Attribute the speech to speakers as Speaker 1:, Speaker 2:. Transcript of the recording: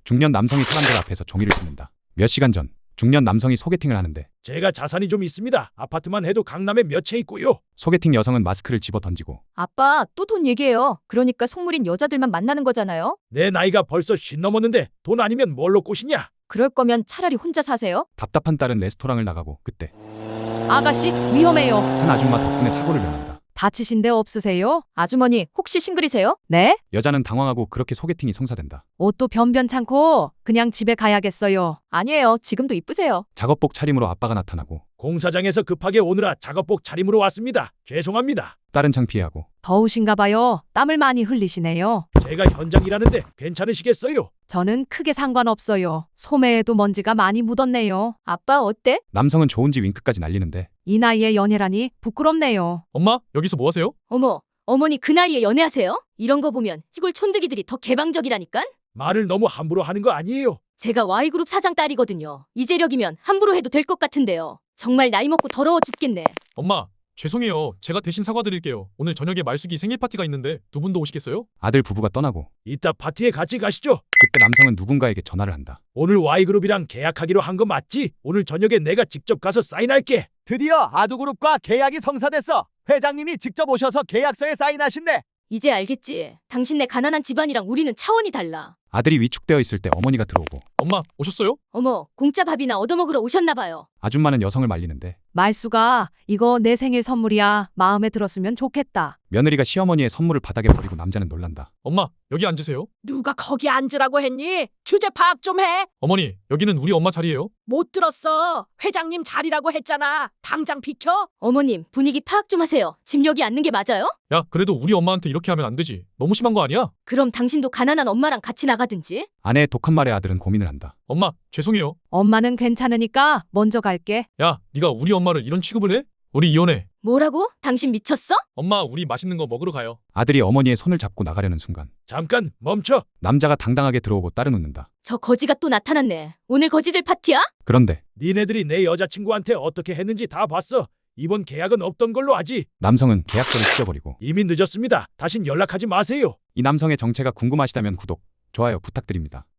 Speaker 1: 중년 남성이 사람들 앞에서 종이를 씹는다. 몇 시간 전 중년 남성이 소개팅을 하는데
Speaker 2: 제가 자산이 좀 있습니다. 아파트만 해도 강남에 몇 채 있고요.
Speaker 1: 소개팅 여성은 마스크를 집어 던지고
Speaker 3: 아빠, 또 돈 얘기해요. 그러니까 속물인 여자들만 만나는 거잖아요.
Speaker 2: 내 나이가 벌써 50 넘었는데 돈 아니면 뭘로 꼬시냐?
Speaker 3: 그럴 거면 차라리 혼자 사세요.
Speaker 1: 답답한 딸은 레스토랑을 나가고 그때
Speaker 4: 아가씨, 위험해요.
Speaker 1: 한 아줌마 덕분에 사고를 면한다.
Speaker 4: 다치신 데 없으세요?
Speaker 3: 아주머니, 혹시 싱글이세요?
Speaker 4: 네?
Speaker 1: 여자는 당황하고 그렇게 소개팅이 성사된다.
Speaker 4: 옷도 변변찮고 그냥 집에 가야겠어요.
Speaker 3: 아니에요. 지금도 이쁘세요.
Speaker 1: 작업복 차림으로 아빠가 나타나고
Speaker 2: 공사장에서 급하게 오느라 작업복 차림으로 왔습니다. 죄송합니다.
Speaker 1: 딸은 창피해하고
Speaker 4: 더우신가 봐요. 땀을 많이 흘리시네요.
Speaker 2: 제가 현장 일하는데 괜찮으시겠어요?
Speaker 4: 저는 크게 상관없어요. 소매에도 먼지가 많이 묻었네요.
Speaker 3: 아빠, 어때?
Speaker 1: 남성은 좋은지 윙크까지 날리는데
Speaker 4: 이 나이에 연애라니 부끄럽네요.
Speaker 5: 엄마, 여기서 뭐 하세요?
Speaker 3: 어머, 어머니 그 나이에 연애하세요? 이런 거 보면 시골 촌득이들이 더 개방적이라니깐?
Speaker 2: 말을 너무 함부로 하는 거 아니에요?
Speaker 3: 제가 Y그룹 사장 딸이거든요. 이재력이면 함부로 해도 될 것 같은데요. 정말 나이 먹고 더러워 죽겠네.
Speaker 5: 엄마, 죄송해요. 제가 대신 사과드릴게요. 오늘 저녁에 말숙이 생일 파티가 있는데 두 분도 오시겠어요?
Speaker 1: 아들 부부가 떠나고
Speaker 2: 이따 파티에 같이 가시죠.
Speaker 1: 그때 남성은 누군가에게 전화를 한다.
Speaker 2: 오늘 Y그룹이랑 계약하기로 한 거 맞지? 오늘 저녁에 내가 직접 가서 사인할게.
Speaker 6: 드디어 아두그룹과 계약이 성사됐어. 회장님이 직접 오셔서 계약서에 사인하신대.
Speaker 3: 이제 알겠지. 당신네 가난한 집안이랑 우리는 차원이 달라.
Speaker 1: 아들이 위축되어 있을 때 어머니가 들어오고
Speaker 5: 엄마, 오셨어요?
Speaker 3: 어머, 공짜 밥이나 얻어먹으러 오셨나 봐요.
Speaker 1: 아줌마는 여성을 말리는데
Speaker 4: 말수가 이거 내 생일 선물이야. 마음에 들었으면 좋겠다.
Speaker 1: 며느리가 시어머니의 선물을 바닥에 버리고 남자는 놀란다.
Speaker 5: 엄마, 여기 앉으세요.
Speaker 7: 누가 거기 앉으라고 했니? 주제 파악 좀 해.
Speaker 5: 어머니, 여기는 우리 엄마 자리예요.
Speaker 7: 못 들었어. 회장님 자리라고 했잖아. 당장 비켜.
Speaker 3: 어머님, 분위기 파악 좀 하세요. 집 여기 앉는 게 맞아요?
Speaker 5: 야, 그래도 우리 엄마한테 이렇게 하면 안 되지. 너무 심한 거 아니야?
Speaker 3: 그럼 당신도 가난한 엄마랑 같이 나가든지.
Speaker 1: 아내의 독한 말에 아들은 고민을 한다.
Speaker 5: 엄마, 죄송해요.
Speaker 4: 엄마는 괜찮으니까 먼저 갈게.
Speaker 5: 야, 네가 우리 엄마를 이런 취급을 해? 우리 이혼해.
Speaker 3: 뭐라고? 당신 미쳤어?
Speaker 5: 엄마, 우리 맛있는 거 먹으러 가요.
Speaker 1: 아들이 어머니의 손을 잡고 나가려는 순간
Speaker 2: 잠깐 멈춰.
Speaker 1: 남자가 당당하게 들어오고 딸은 웃는다.
Speaker 3: 저 거지가 또 나타났네. 오늘 거지들 파티야?
Speaker 1: 그런데
Speaker 2: 니네들이 내 여자친구한테 어떻게 했는지 다 봤어. 이번 계약은 없던 걸로 하지.
Speaker 1: 남성은 계약서를 찢어버리고
Speaker 2: 이미 늦었습니다. 다신 연락하지 마세요.
Speaker 1: 이 남성의 정체가 궁금하시다면 구독, 좋아요 부탁드립니다.